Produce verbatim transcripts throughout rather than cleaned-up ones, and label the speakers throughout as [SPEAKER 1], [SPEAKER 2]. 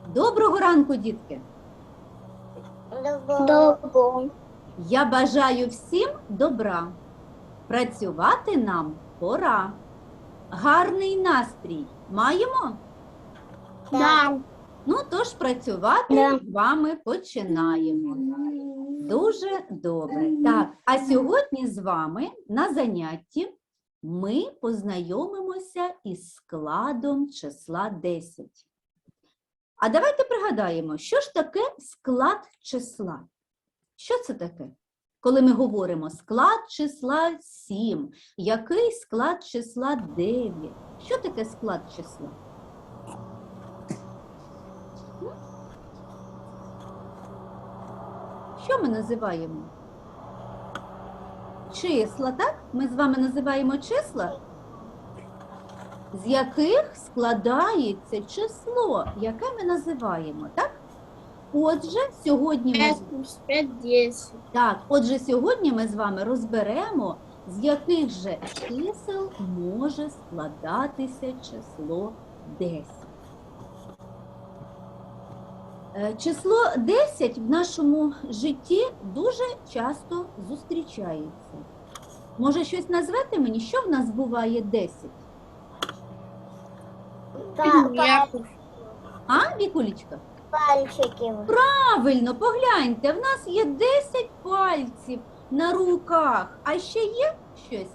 [SPEAKER 1] Доброго ранку, дітки!
[SPEAKER 2] Добро.
[SPEAKER 1] Я бажаю всім добра. Працювати нам пора. Гарний настрій маємо?
[SPEAKER 2] Да.
[SPEAKER 1] Ну, тож працювати
[SPEAKER 2] Да.
[SPEAKER 1] з вами починаємо. Дуже добре. Так, а сьогодні з вами на занятті ми познайомимося із складом числа десять. А давайте пригадаємо, що ж таке склад числа? Що це таке? Коли ми говоримо склад числа сім, який склад числа дев'ять? Що таке склад числа? Що ми називаємо? Числа, так? Ми з вами називаємо числа, з яких складається число, яке ми називаємо, так? Отже, сьогодні ми...
[SPEAKER 2] пять плюс пять, десять.
[SPEAKER 1] Так, отже, сьогодні ми з вами розберемо, з яких же чисел може складатися число десять. Е, Число десять в нашому житті дуже часто зустрічається. Може, щось назвете мені, що в нас буває десять? А, Вікулечка?
[SPEAKER 2] Пальчики.
[SPEAKER 1] Правильно, погляньте, в нас є десять пальців на руках. А ще є щось?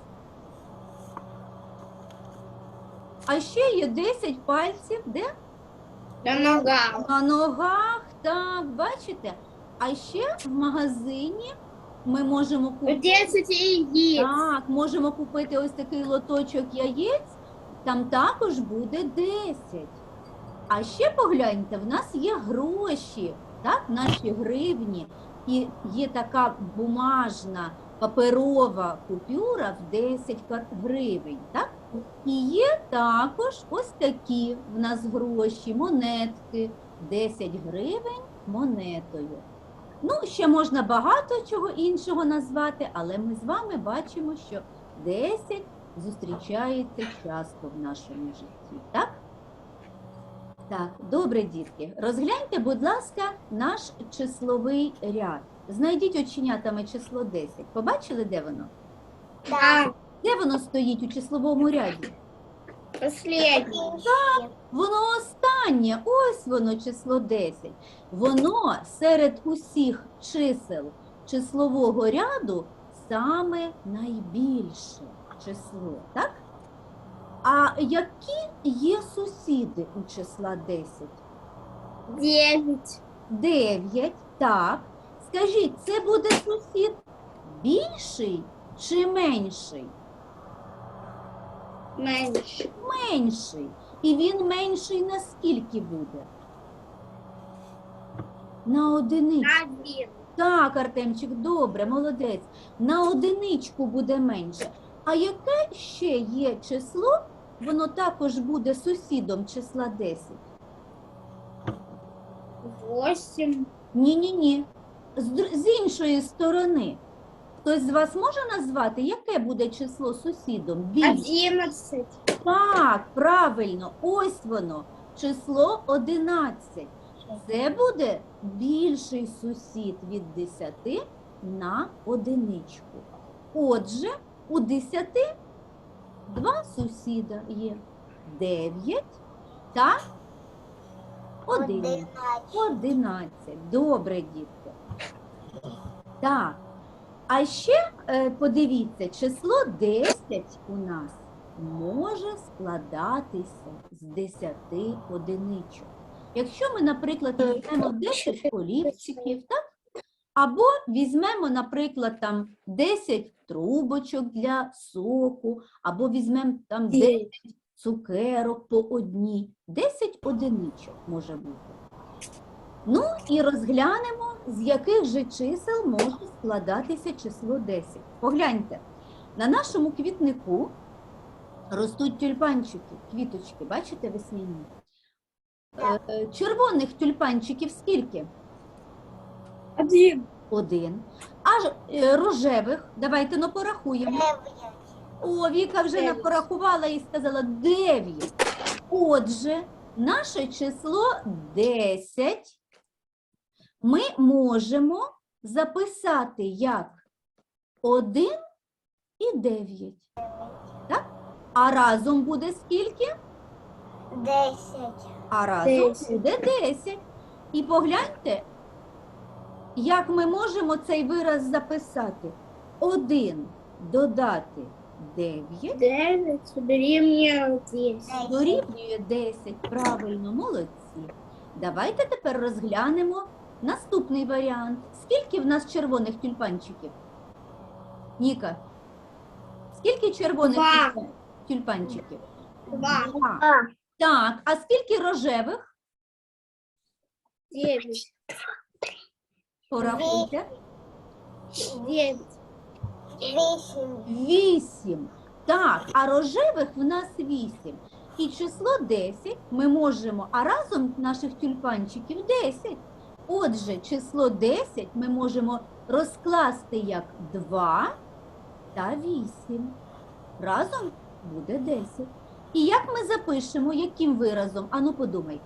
[SPEAKER 1] А ще є десять пальців, де?
[SPEAKER 2] На ногах.
[SPEAKER 1] На ногах, так, бачите? А ще в магазині ми можемо купити...
[SPEAKER 2] десять яиц.
[SPEAKER 1] Так, можемо купити ось такий лоточок яєць, там також буде десять. А ще погляньте, в нас є гроші, так, наші гривні, і є така бумажна паперова купюра в десять гривень, так? І є також ось такі в нас гроші, монетки, десять гривень монетою. Ну, ще можна багато чого іншого назвати, але ми з вами бачимо, що десять зустрічається часто в нашому житті, так? Так, добре, дітки. Розгляньте, будь ласка, наш числовий ряд. Знайдіть оченятами число десять. Побачили, де воно?
[SPEAKER 2] Да.
[SPEAKER 1] Де воно стоїть у числовому ряді?
[SPEAKER 2] Последний.
[SPEAKER 1] Воно останнє, ось воно число десять. Воно серед усіх чисел числового ряду саме найбільше число, так? А які є сусіди у числа десять?
[SPEAKER 2] Девять.
[SPEAKER 1] дев'ять, так. Скажіть, це буде сусід більший чи менший?
[SPEAKER 2] Меньше.
[SPEAKER 1] Менший. І він менший на скільки буде? На одиничку.
[SPEAKER 2] Один.
[SPEAKER 1] Так, Артемчик, добре, молодець. На одиничку буде менше. А яке ще є число, воно також буде сусідом числа десять?
[SPEAKER 2] Восемь.
[SPEAKER 1] Ні-ні-ні. З, др- з іншої сторони. Хтось з вас може назвати, яке буде число сусідом? Більше?
[SPEAKER 2] Одиннадцать.
[SPEAKER 1] Так, правильно, ось воно, число одинадцять. Це буде більший сусід від десяти на одиничку. Отже, у десяти два сусіда є. дев'ять та один. одинадцять. Добре, дітки. Так. А ще е, подивіться, число десять у нас може складатися з десяти одиничок. Якщо ми, наприклад, візьмемо десять олівчиків, так? Або візьмемо, наприклад, там десять трубочок для соку, або візьмемо там десять цукерок по одній. десять одиничок може бути. Ну і розглянемо, з яких же чисел може складатися число десять. Погляньте, на нашому квітнику ростуть тюльпанчики, квіточки, бачите, весняні? Е, Червоних тюльпанчиків скільки?
[SPEAKER 2] Один.
[SPEAKER 1] Один. А ж- е, рожевих, давайте ну порахуємо. О, Віка вже
[SPEAKER 2] Дев'ять.
[SPEAKER 1] порахувала і сказала дев'ять. Отже, наше число десять ми можемо записати як один і дев'ять. Так? А разом буде скільки?
[SPEAKER 3] Десять.
[SPEAKER 1] А разом
[SPEAKER 2] Десять.
[SPEAKER 1] буде десять. І погляньте, як ми можемо цей вираз записати. один додати дев'ять
[SPEAKER 2] Девять дорівнює десять.
[SPEAKER 1] дорівнює десять. Правильно, молодці. Давайте тепер розглянемо наступний варіант. Скільки в нас червоних тюльпанчиків? Ніка, скільки червоних
[SPEAKER 2] Два.
[SPEAKER 1] тюльпан- тюльпанчиків?
[SPEAKER 2] Два.
[SPEAKER 1] Два.
[SPEAKER 3] А,
[SPEAKER 1] Так, а скільки рожевих?
[SPEAKER 2] Девять.
[SPEAKER 1] Порахуйте.
[SPEAKER 2] Девять.
[SPEAKER 3] вісім.
[SPEAKER 1] Вісім. Так, а рожевих в нас вісім. І число десять ми можемо, а разом наших тюльпанчиків десять. Отже, число десять ми можемо розкласти як два та вісім. Разом буде десять. І як ми запишемо, яким виразом? Ану, подумайте.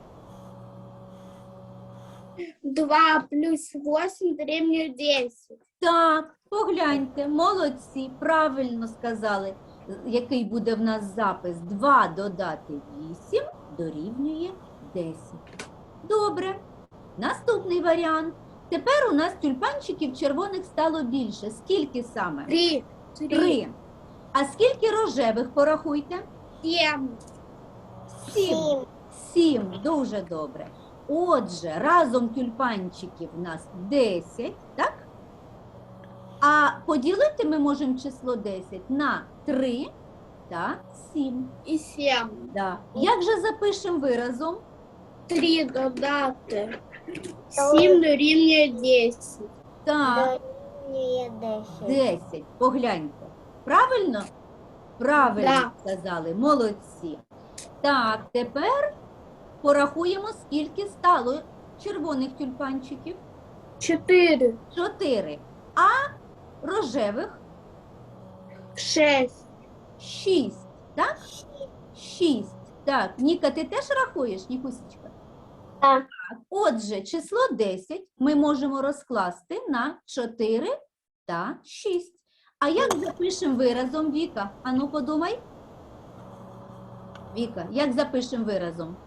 [SPEAKER 2] Два плюс восемь дорівнює десять.
[SPEAKER 1] Так, погляньте, молодці, правильно сказали, який буде в нас запис. два додати вісім дорівнює десять. Добре. Наступний варіант. Тепер у нас тюльпанчиків червоних стало більше. Скільки саме?
[SPEAKER 2] Три. Три.
[SPEAKER 1] Три. А скільки рожевих, порахуйте?
[SPEAKER 2] Семь.
[SPEAKER 1] Сім.
[SPEAKER 3] Сім.
[SPEAKER 1] Сім. Дуже добре. Отже, разом тюльпанчиків у нас десять, так? А поділити ми можемо число десять на три та сім.
[SPEAKER 2] І сім.
[SPEAKER 1] Да. Як же запишемо виразом?
[SPEAKER 2] Три додати. Сім дорівнює десять.
[SPEAKER 1] Так,
[SPEAKER 3] Дорівнює десять.
[SPEAKER 1] десять. Погляньте. Правильно? Правильно
[SPEAKER 2] Да.
[SPEAKER 1] сказали. Молодці. Так, тепер порахуємо, скільки стало червоних тюльпанчиків.
[SPEAKER 2] Чотири.
[SPEAKER 1] Чотири. А рожевих
[SPEAKER 2] Шесть.
[SPEAKER 1] шість. Так? Шість. Так, Ніка, ти теж рахуєш, Нікусечка?
[SPEAKER 3] Так.
[SPEAKER 1] Отже, число десять ми можемо розкласти на чотири та шість. А як запишемо виразом, Віка? Ану, подумай. Віка, як запишемо виразом?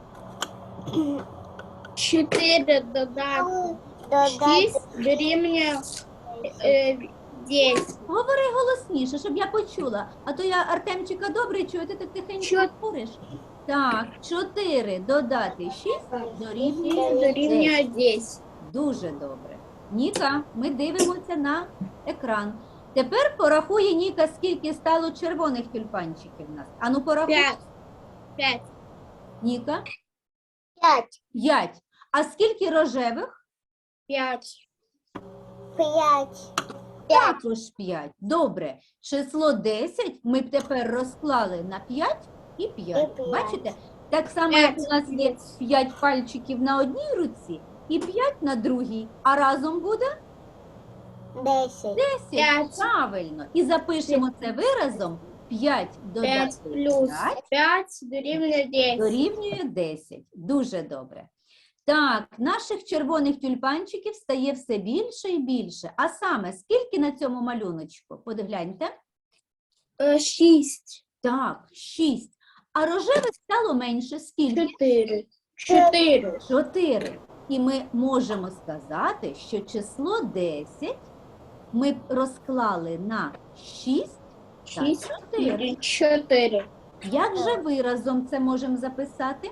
[SPEAKER 2] Чотири додати.
[SPEAKER 3] Додати
[SPEAKER 2] Шість дорівнює е, десять.
[SPEAKER 1] Говори голосніше, щоб я почула. А то я Артемчика добре чую, ти так тихенько
[SPEAKER 2] Чот-
[SPEAKER 1] говориш. Так, чотири додати шість дорівнює
[SPEAKER 2] Дорівнює
[SPEAKER 1] десять.
[SPEAKER 2] десять.
[SPEAKER 1] Дуже добре. Ніка, ми дивимося на екран. Тепер порахує Ніка, скільки стало червоних тюльпанчиків в нас. Ану, порахуй.
[SPEAKER 2] П'ять. П'ять.
[SPEAKER 1] Ніка,
[SPEAKER 3] п'ять.
[SPEAKER 1] п'ять. А скільки рожевих?
[SPEAKER 2] П'ять.
[SPEAKER 3] П'ять.
[SPEAKER 1] Також п'ять. Добре. Число десять ми б тепер розклали на п'ять і п'ять.
[SPEAKER 3] І п'ять.
[SPEAKER 1] Бачите? Так само, як
[SPEAKER 2] П'ять.
[SPEAKER 1] у нас є п'ять пальчиків на одній руці і п'ять на другій. А разом буде
[SPEAKER 3] Десять.
[SPEAKER 1] десять.
[SPEAKER 2] П'ять.
[SPEAKER 1] Правильно. І запишемо це виразом. п'ять
[SPEAKER 2] П'ять
[SPEAKER 1] додати
[SPEAKER 2] плюс
[SPEAKER 1] п'ять
[SPEAKER 2] п'ять дорівнює десять.
[SPEAKER 1] дорівнює десять. Дуже добре. Так, наших червоних тюльпанчиків стає все більше і більше. А саме, скільки на цьому малюночку? Подгляньте.
[SPEAKER 2] Е, Шість.
[SPEAKER 1] Так, шість. А рожевих стало менше. Скільки?
[SPEAKER 2] Чотири. Чотири.
[SPEAKER 1] Чотири. І ми можемо сказати, що число десять ми б розклали на шість та
[SPEAKER 2] Шість.
[SPEAKER 1] чотири.
[SPEAKER 2] І Чотири.
[SPEAKER 1] Як же виразом це можемо записати?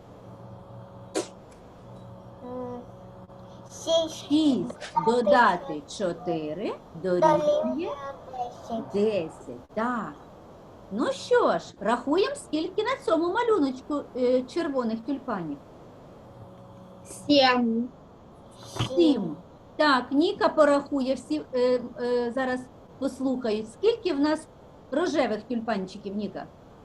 [SPEAKER 3] М, Шість.
[SPEAKER 1] шість додати чотири дорівнює
[SPEAKER 3] Дорівнює десять.
[SPEAKER 1] десять. Так. Ну що ж, рахуємо, скільки на цьому малюночку е, червоних тюльпанів.
[SPEAKER 2] Сім.
[SPEAKER 1] Сім. Так, Ніка порахує, всі е, е, зараз послухають. Скільки в нас рожевих тюльпанчиків, Ніка?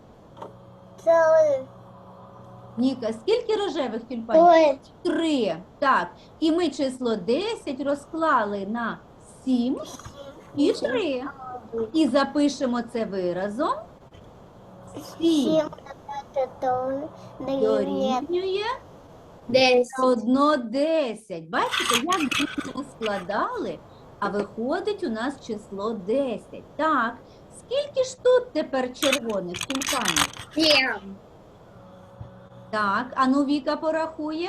[SPEAKER 3] Три.
[SPEAKER 1] Ніка, скільки рожевих тюльпанчиків?
[SPEAKER 3] Три.
[SPEAKER 1] Три. Так, і ми число десять розклали на сім і три. І запишемо це виразом. Сім
[SPEAKER 3] Сім чотири дорівнює
[SPEAKER 1] Дорівнює
[SPEAKER 2] десять.
[SPEAKER 1] одно десять. Бачите, як ми складали, а виходить у нас число десять. Так, скільки ж тут тепер червоних тюльпанів?
[SPEAKER 2] Семь.
[SPEAKER 1] Так, а ну Віка порахує.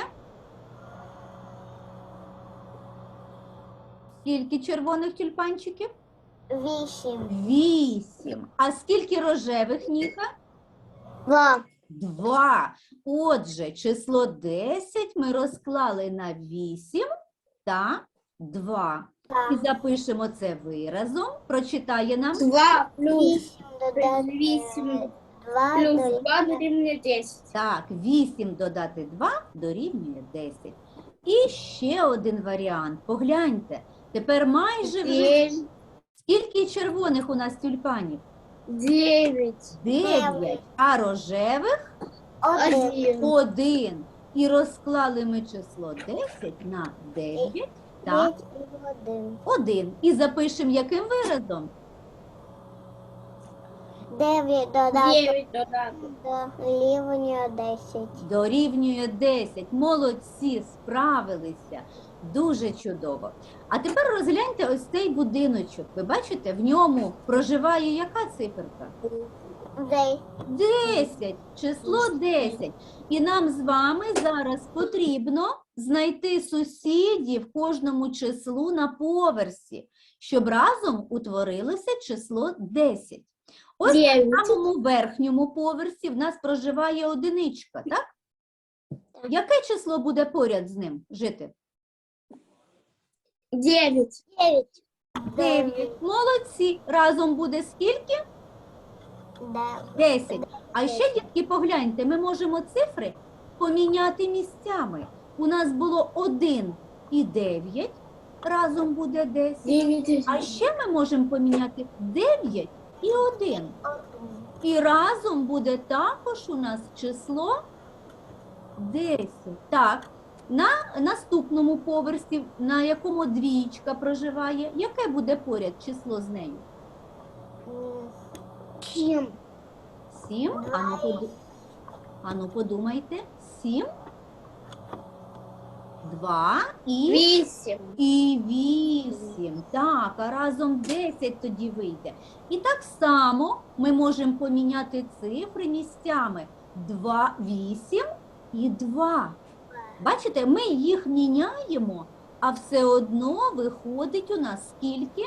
[SPEAKER 1] Скільки червоних тюльпанчиків?
[SPEAKER 3] вісім.
[SPEAKER 1] Вісім. А скільки рожевих, Ніка?
[SPEAKER 2] Два.
[SPEAKER 1] Два. Отже, число десять ми розклали на вісім та два. І
[SPEAKER 3] Так.
[SPEAKER 1] запишемо це виразом. Прочитає нам
[SPEAKER 2] Два плюс
[SPEAKER 3] Вісім додати
[SPEAKER 2] вісім
[SPEAKER 3] два
[SPEAKER 2] плюс
[SPEAKER 3] дорівнює
[SPEAKER 2] два дорівнює десять.
[SPEAKER 1] так, вісім додати два дорівнює десять. І ще один варіант. Погляньте. Тепер майже вже
[SPEAKER 2] Девять.
[SPEAKER 1] скільки червоних у нас тюльпанів?
[SPEAKER 2] Девять.
[SPEAKER 1] Дев'ять. А рожевих?
[SPEAKER 3] один.
[SPEAKER 2] Один.
[SPEAKER 1] Один. І розклали ми число десять на дев'ять та
[SPEAKER 3] П'ять і один.
[SPEAKER 1] один. І запишемо яким виразом?
[SPEAKER 3] Дев'ять додати
[SPEAKER 2] Девять додати.
[SPEAKER 3] дорівнює десять.
[SPEAKER 1] Дорівнює десять. Молодці, справилися. Дуже чудово. А тепер розгляньте ось цей будиночок. Ви бачите, в ньому проживає яка циферка?
[SPEAKER 3] Десять.
[SPEAKER 1] десять. Число десять. І нам з вами зараз потрібно знайти сусідів кожному числу на поверсі, щоб разом утворилося число десять. Ось
[SPEAKER 2] Девять.
[SPEAKER 1] на самому верхньому поверсі в нас проживає одиничка, так? Яке число буде поряд з ним жити?
[SPEAKER 2] Девять.
[SPEAKER 3] Дев'ять.
[SPEAKER 1] дев'ять. Молодці. Разом буде скільки?
[SPEAKER 3] Дев'ять.
[SPEAKER 1] десять. А ще, дітки, погляньте, ми можемо цифри поміняти місцями. У нас було один і дев'ять, разом буде десять.
[SPEAKER 2] Девять.
[SPEAKER 1] А ще ми можемо поміняти дев'ять і один. І разом буде також у нас число десять. Так, на наступному поверсі, на якому двічка проживає, яке буде поряд число з нею?
[SPEAKER 3] М,
[SPEAKER 2] Семь.
[SPEAKER 1] Сім. Ану, поду... Ану подумайте. Сім. Два і...
[SPEAKER 2] Восемь.
[SPEAKER 1] І вісім. Так, а разом десять тоді вийде. І так само ми можемо поміняти цифри місцями. Два, вісім і два. Бачите, ми їх міняємо, а все одно виходить у нас скільки?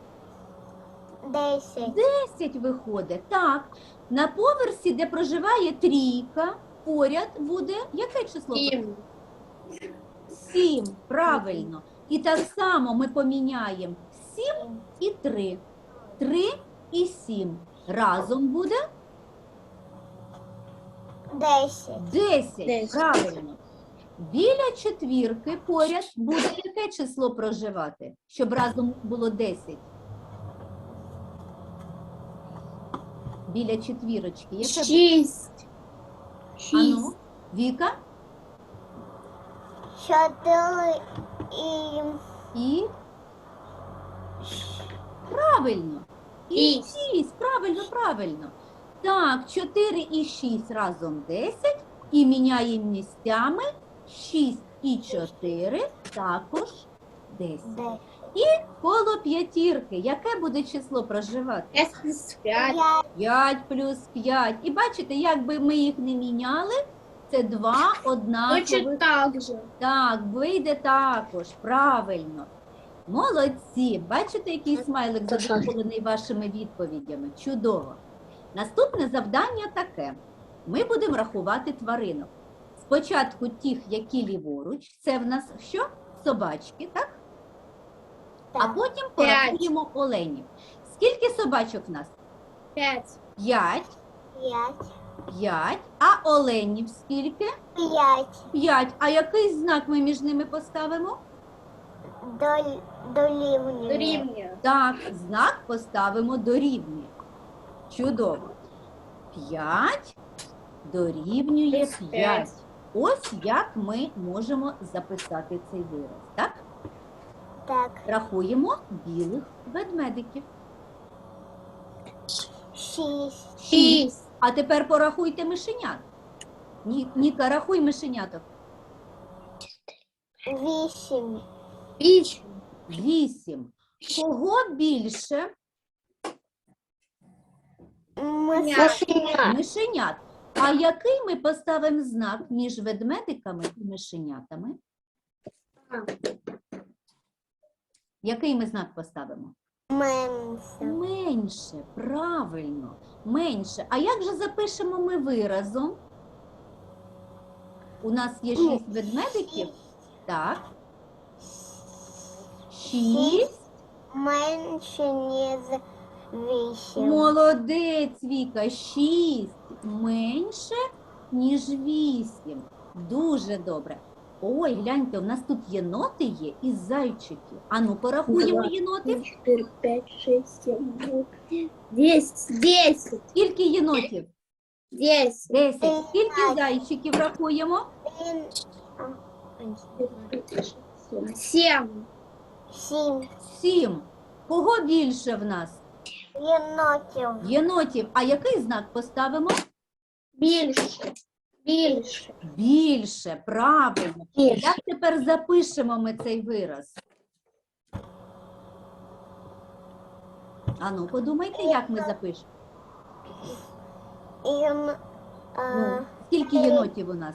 [SPEAKER 3] Десять.
[SPEAKER 1] десять виходить. Так, на поверсі, де проживає трійка, поряд буде яке число?
[SPEAKER 2] Семь.
[SPEAKER 1] сім, правильно. І так само ми поміняємо сім і три. три і сім. Разом буде
[SPEAKER 3] Десять.
[SPEAKER 1] десять,
[SPEAKER 2] Десять.
[SPEAKER 1] правильно. Біля четвірки поряд буде яке число проживати, щоб разом було десять? Біля четвірочки. Яке буде?
[SPEAKER 2] Шесть.
[SPEAKER 1] Ану,
[SPEAKER 2] Шесть.
[SPEAKER 1] Віка
[SPEAKER 3] Чотири і
[SPEAKER 1] і... Правильно. І
[SPEAKER 2] Шість.
[SPEAKER 1] шість, правильно, правильно. Так, чотири і шість разом десять. І міняємо місцями шість і чотири також десять.
[SPEAKER 3] десять.
[SPEAKER 1] Коло п'ятірки. Яке буде число проживати?
[SPEAKER 2] Пять плюс пять.
[SPEAKER 3] П'ять.
[SPEAKER 1] п'ять плюс п'ять. І бачите, якби ми їх не міняли, це два однакових.
[SPEAKER 2] Точно так же.
[SPEAKER 1] Так, вийде також, правильно. Молодці. Бачите, який смайлик задоволений вашими відповідями? Чудово. Наступне завдання таке. Ми будемо рахувати тваринок. Спочатку тих, які ліворуч. Це в нас що? Собачки, так? А
[SPEAKER 3] Так.
[SPEAKER 1] потім порахуємо оленів. Скільки собачок в нас?
[SPEAKER 2] Пять.
[SPEAKER 1] П'ять.
[SPEAKER 3] П'ять.
[SPEAKER 1] П'ять. А оленів скільки?
[SPEAKER 3] П'ять.
[SPEAKER 1] П'ять. А який знак ми між ними поставимо?
[SPEAKER 3] Доль- Дорівнює.
[SPEAKER 2] Дорівнює.
[SPEAKER 1] Так, знак поставимо дорівнює. Чудово. п'ять дорівнює
[SPEAKER 2] Плюс
[SPEAKER 1] п'ять.
[SPEAKER 2] п'ять.
[SPEAKER 1] Ось як ми можемо записати цей вираз. Так?
[SPEAKER 3] Так.
[SPEAKER 1] Рахуємо білих ведмедиків.
[SPEAKER 3] Шість.
[SPEAKER 2] Шесть.
[SPEAKER 1] А тепер порахуйте мишенят. Ні, Ніка, рахуй мишеняток.
[SPEAKER 3] Вісім.
[SPEAKER 2] Вісім.
[SPEAKER 1] Вісім. Кого більше?
[SPEAKER 3] Мишенят.
[SPEAKER 1] Мишенят. А який ми поставимо знак між ведмедиками і мишенятами? Який ми знак поставимо?
[SPEAKER 3] Менше.
[SPEAKER 1] Менше, правильно, менше. А як же запишемо ми виразом? У нас є шість ведмедиків. Так. Шість.
[SPEAKER 3] Менше, ніж вісім.
[SPEAKER 1] Молодець, Віка. Шість менше, ніж вісім. Дуже добре. Ой, гляньте, у нас тут єноти є і зайчики. Ану, порахуємо єноти.
[SPEAKER 2] чотири, п'ять, шість, сім, вісім, десять. Десять.
[SPEAKER 1] Скільки єнотів?
[SPEAKER 2] Десять.
[SPEAKER 1] Десять. Скільки зайчиків рахуємо?
[SPEAKER 3] Він-
[SPEAKER 2] Сім.
[SPEAKER 3] Сім.
[SPEAKER 1] Сім. Кого більше в нас?
[SPEAKER 3] Єнотів.
[SPEAKER 1] Єнотів. А який знак поставимо?
[SPEAKER 2] Більше. Більше.
[SPEAKER 1] Більше, правильно.
[SPEAKER 2] Більше.
[SPEAKER 1] Як тепер запишемо ми цей вираз? Ану, подумайте, як ми запишемо.
[SPEAKER 3] Єн...
[SPEAKER 1] Ну,
[SPEAKER 3] е,
[SPEAKER 1] скільки єнотів у нас?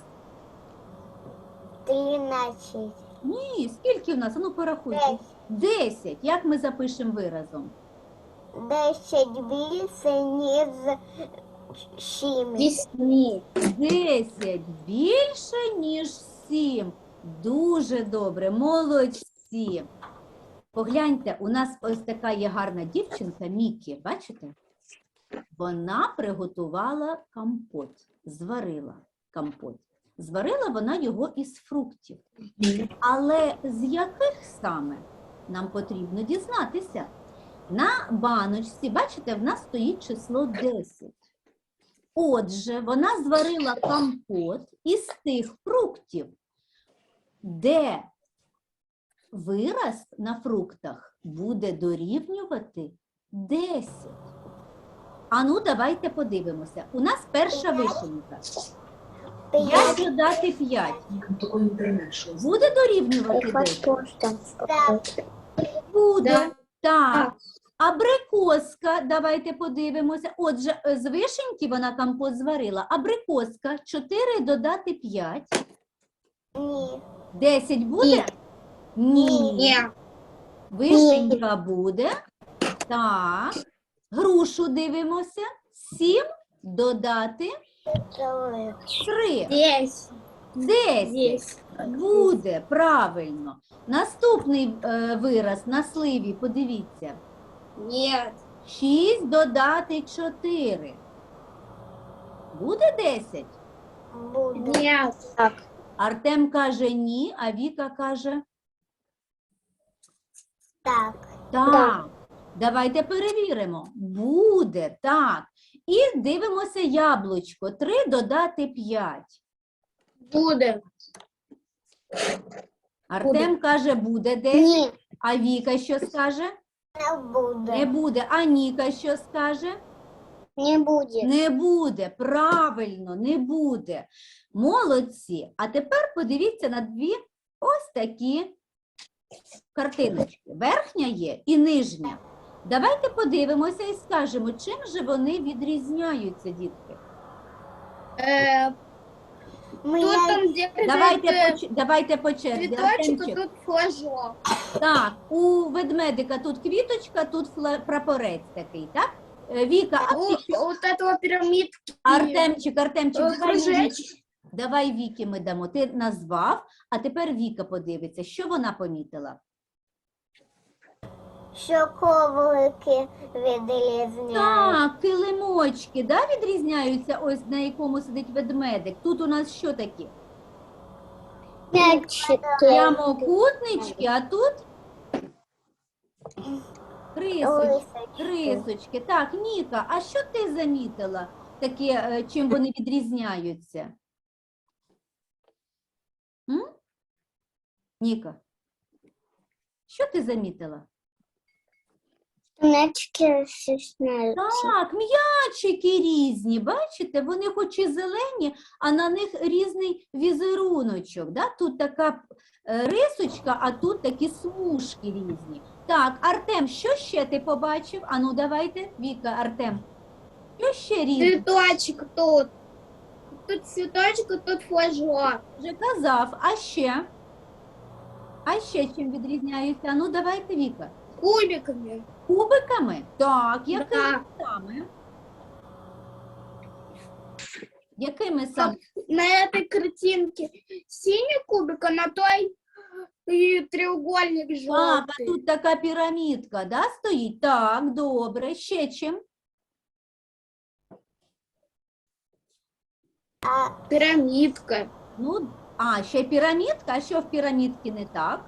[SPEAKER 3] Тринадцять.
[SPEAKER 1] Ні, скільки в нас? Ану, порахуйте.
[SPEAKER 3] Десять.
[SPEAKER 1] Десять. Як ми запишемо виразом?
[SPEAKER 3] Десять більше, ніж сім.
[SPEAKER 2] Вісні.
[SPEAKER 1] Десять більше, ніж сім. Дуже добре, молодці. Погляньте, у нас ось така є гарна дівчинка Мікі, бачите? Вона приготувала компот, зварила компот. Зварила вона його із фруктів. Але з яких саме нам потрібно дізнатися? На баночці, бачите, в нас стоїть число десять. Отже, вона зварила компот із тих фруктів, де вираз на фруктах буде дорівнювати десять. Ану, давайте подивимося. У нас перша вишенька. п'ять додати п'ять. Буде дорівнювати десять?
[SPEAKER 3] Так.
[SPEAKER 1] Буде.
[SPEAKER 2] Да.
[SPEAKER 1] Так. Абрикоска, давайте подивимося. Отже, з вишеньки вона компот зварила. Абрикоска, чотири додати п'ять.
[SPEAKER 3] Ні.
[SPEAKER 1] десять буде? Ні.
[SPEAKER 2] Ні.
[SPEAKER 1] Вишенька буде. Так. Грушу дивимося. сім додати
[SPEAKER 3] Три.
[SPEAKER 1] три.
[SPEAKER 2] Десять.
[SPEAKER 1] десять.
[SPEAKER 2] Десять.
[SPEAKER 1] Буде, правильно. Наступний е, вираз на сливі, подивіться.
[SPEAKER 2] Ні.
[SPEAKER 1] шість додати чотири. Буде десять?
[SPEAKER 3] Буде.
[SPEAKER 2] Ні. Так.
[SPEAKER 1] Артем каже ні, а Віка каже
[SPEAKER 3] Так.
[SPEAKER 1] так.
[SPEAKER 2] Да.
[SPEAKER 1] Давайте перевіримо. Буде, так. І дивимося яблучко. три додати п'ять.
[SPEAKER 2] Буде.
[SPEAKER 1] Артем каже буде десять,
[SPEAKER 3] Ні.
[SPEAKER 1] а Віка що скаже?
[SPEAKER 3] Не буде.
[SPEAKER 1] Не буде. А Ніка що скаже?
[SPEAKER 3] Не буде.
[SPEAKER 1] Не буде, правильно, не буде. Молодці. А тепер подивіться на дві ось такі картиночки. Верхня є і нижня. Давайте подивимося і скажемо, чим же вони відрізняються, дітки.
[SPEAKER 2] Е,
[SPEAKER 3] Ми
[SPEAKER 2] Тут
[SPEAKER 3] я-
[SPEAKER 2] там, де
[SPEAKER 1] Давайте
[SPEAKER 2] е,
[SPEAKER 1] по, ч- давайте по черзі.
[SPEAKER 2] цвіточок, а
[SPEAKER 1] Артемчик.
[SPEAKER 2] тут флажок.
[SPEAKER 1] Так, у ведмедика тут квіточка, тут фла- прапорець такий, так? Е, Віка, а
[SPEAKER 2] У,
[SPEAKER 1] ти що?
[SPEAKER 2] вот этого пирамидки.
[SPEAKER 1] Артемчик, Артемчик,
[SPEAKER 2] Е,
[SPEAKER 1] давай Вікі.
[SPEAKER 2] кружечок.
[SPEAKER 1] Давай Вікі ми дамо. Ти назвав, а тепер Віка подивиться, що вона помітила.
[SPEAKER 3] що коврики відрізняють.
[SPEAKER 1] Так, килимочки, да, відрізняються, ось на якому сидить ведмедик. Тут у нас що такі?
[SPEAKER 3] М'ячики.
[SPEAKER 1] Прямокутнички, а тут рисочки.
[SPEAKER 3] Лисочки.
[SPEAKER 1] Рисочки. Так, Ніка, а що ти замітила таке, е, чим вони відрізняються? М? Ніка, що ти замітила?
[SPEAKER 3] Мячики стесняются.
[SPEAKER 1] Так, м'ячики різні, бачите, вони хоч і зелені, а на них різний візеруночок. Да? Тут така е, рисочка, а тут такі смужки різні. Так, Артем, що ще ти побачив? Ану, давайте, Віка, Артем. Що ще різне?
[SPEAKER 2] Цветочек тут. Тут цветочек, а тут флажок.
[SPEAKER 1] Вже казав, а ще? А ще чим відрізняються? Ану, давайте, Віка.
[SPEAKER 2] Кубиками.
[SPEAKER 1] Кубиками? Так, якими
[SPEAKER 2] Да.
[SPEAKER 1] саме? Якими саме?
[SPEAKER 2] На этой картинке синий кубик, а на той и треугольник
[SPEAKER 1] Так, а
[SPEAKER 2] желтый.
[SPEAKER 1] тут така пірамідка, да, стоїть? Так, добре. Ще чим?
[SPEAKER 3] А
[SPEAKER 2] Пирамидка.
[SPEAKER 1] Ну, а, ще пірамідка, а що в пірамідці не так?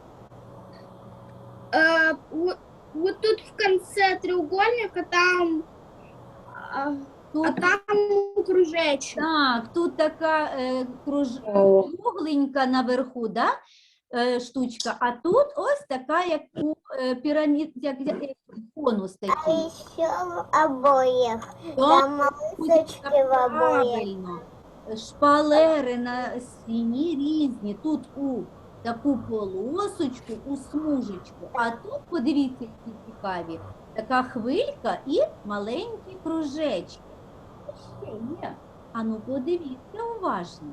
[SPEAKER 2] Э, вот, вот тут в конце треугольника там, а,
[SPEAKER 1] Тут,
[SPEAKER 2] а там кружечек.
[SPEAKER 1] так, тут така е, круж... кругленька наверху, да, е, штучка, а тут ось така, як у е, пірамід, як, як як конус
[SPEAKER 3] а
[SPEAKER 1] такий.
[SPEAKER 3] еще в обоях.
[SPEAKER 1] Так,
[SPEAKER 3] Там малышечки в обоях.
[SPEAKER 1] правильно. Шпалери на стіні різні. Тут у таку полосочку, у смужечку. А тут, подивіться, які цікаві, така хвилька і маленькі кружечки. Ще є. Ану, подивіться уважно.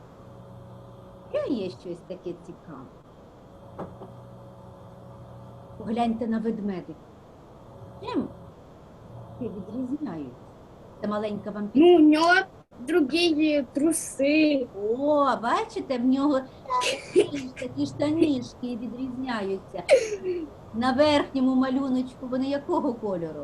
[SPEAKER 1] Ще є щось таке цікаве. Погляньте на ведмедик. Чим це відрізняються? Це маленька вам
[SPEAKER 2] Ну, у него другие трусы.
[SPEAKER 1] О, бачите, в нього такі штанішки відрізняються. На верхньому малюночку вони якого кольору?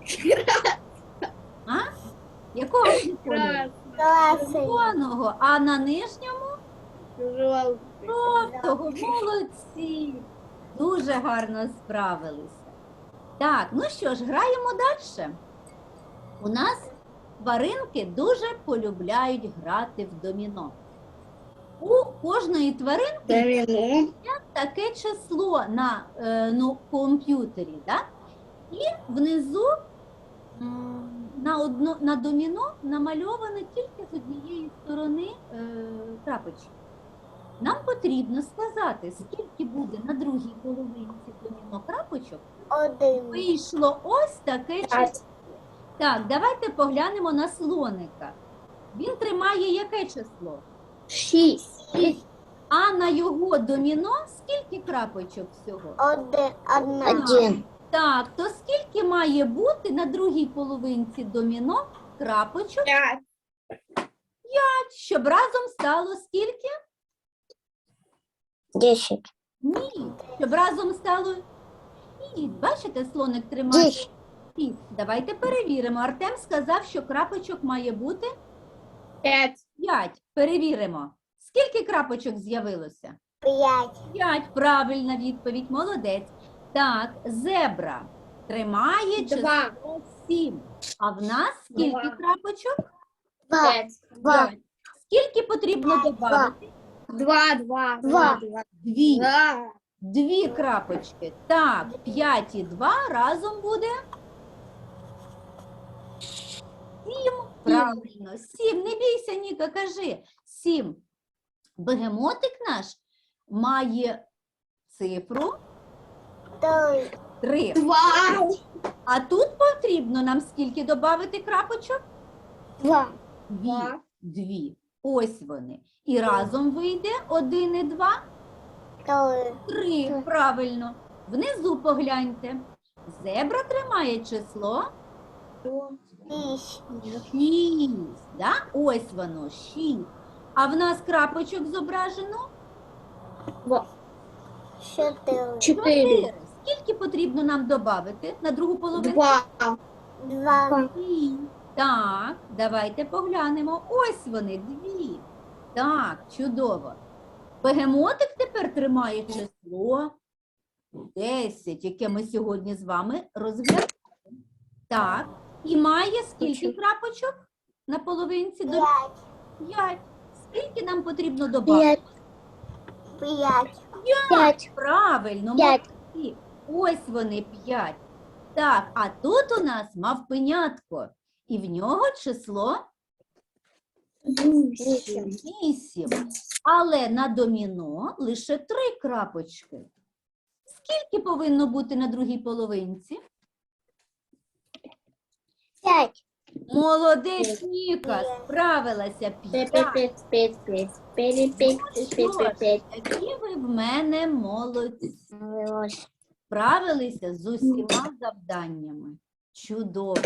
[SPEAKER 1] А? Якого вони кольору?
[SPEAKER 3] Классный.
[SPEAKER 1] Червоного, а на нижньому
[SPEAKER 2] Желтый.
[SPEAKER 1] жовтого. Молодці! Дуже гарно справилися. Так, ну що ж, граємо далі. У нас тваринки дуже полюбляють грати в доміно. У кожної тваринки
[SPEAKER 2] Домино.
[SPEAKER 1] таке число на е, ну, комп'ютері, да? І внизу м, на, одно, на доміно намальовано тільки з однієї сторони е, крапочки. Нам потрібно сказати, скільки буде на другій половинці доміно крапочок,
[SPEAKER 3] Один.
[SPEAKER 1] вийшло ось таке число. Так, давайте поглянемо на слоника. Він тримає яке число?
[SPEAKER 2] Шесть.
[SPEAKER 1] Шість. А на його доміно скільки крапочок всього?
[SPEAKER 3] Один. Одна.
[SPEAKER 1] Один. Так, то скільки має бути на другій половинці доміно крапочок,
[SPEAKER 2] Пять.
[SPEAKER 1] щоб разом стало скільки?
[SPEAKER 3] Десять.
[SPEAKER 1] Ні, щоб разом стало шість. Бачите, слоник тримає
[SPEAKER 3] Десять.
[SPEAKER 1] шість. Давайте перевіримо. Артем сказав, що крапочок має бути
[SPEAKER 2] Пять.
[SPEAKER 1] п'ять. Перевіримо. Скільки крапочок з'явилося?
[SPEAKER 3] Пять.
[SPEAKER 1] П'ять. Правильна відповідь. Молодець. Так, зебра тримає
[SPEAKER 2] Два.
[SPEAKER 1] число сім. А в нас скільки
[SPEAKER 2] Два.
[SPEAKER 1] крапочок?
[SPEAKER 3] Два.
[SPEAKER 2] Пять.
[SPEAKER 3] Два.
[SPEAKER 1] П'ять. Скільки потрібно додати?
[SPEAKER 2] Два, два,
[SPEAKER 3] Два.
[SPEAKER 2] два.
[SPEAKER 1] Дві.
[SPEAKER 2] Два.
[SPEAKER 1] Дві крапочки. Так, п'ять і два разом буде сім. Правильно, сім. Не бійся, Ніка, кажи. Сім. Бегемотик наш має цифру
[SPEAKER 3] Три.
[SPEAKER 1] три.
[SPEAKER 2] Два.
[SPEAKER 1] А тут потрібно нам скільки додати крапочок?
[SPEAKER 3] Два.
[SPEAKER 1] Дві.
[SPEAKER 2] Два.
[SPEAKER 1] Дві. Ось вони. І разом вийде один і два.
[SPEAKER 3] Три.
[SPEAKER 1] Три. Правильно. Внизу погляньте. Зебра тримає число
[SPEAKER 3] Шість.
[SPEAKER 1] шість. Да? Ось воно, шість. А в нас крапочок зображено
[SPEAKER 3] Чотири.
[SPEAKER 2] Четыре.
[SPEAKER 1] чотири. Скільки потрібно нам додати на другу половину?
[SPEAKER 2] Два.
[SPEAKER 3] Два.
[SPEAKER 1] Дві. Так, давайте поглянемо. Ось вони, дві. Так, чудово. Бегемотик тепер тримає число десять, яке ми сьогодні з вами розглядаємо. Так, і має скільки крапочок на половинці? До
[SPEAKER 3] П'ять.
[SPEAKER 1] п'ять. Скільки нам потрібно додати?
[SPEAKER 3] П'ять. П'ять. П'ять.
[SPEAKER 1] Правильно,
[SPEAKER 3] П'ять.
[SPEAKER 1] молодці. Ось вони, п'ять. Так, а тут у нас мавпенятко. І в нього число
[SPEAKER 2] Вісім.
[SPEAKER 1] вісім. Але на доміно лише три крапочки. Скільки повинно бути на другій половинці?
[SPEAKER 3] П'ять.
[SPEAKER 1] Молодець, Ніка, справилася. П'ять. Які ви в мене молодці. Справилися з усіма завданнями. Чудово.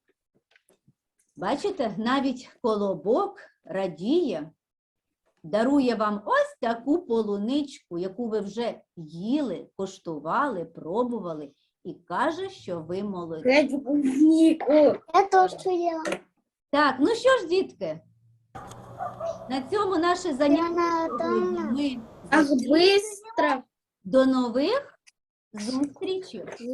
[SPEAKER 1] Бачите, навіть колобок радіє, дарує вам ось таку полуничку, яку ви вже їли, коштували, пробували, і каже, що ви молодці.
[SPEAKER 3] Я тоже ела.
[SPEAKER 1] Так, ну що ж, дітки, на цьому наше заняття
[SPEAKER 3] Вона
[SPEAKER 1] сьогодні
[SPEAKER 3] дома.
[SPEAKER 1] ми
[SPEAKER 2] Ах,
[SPEAKER 1] закінчуємо.
[SPEAKER 2] быстро.
[SPEAKER 1] До нових зустрічей.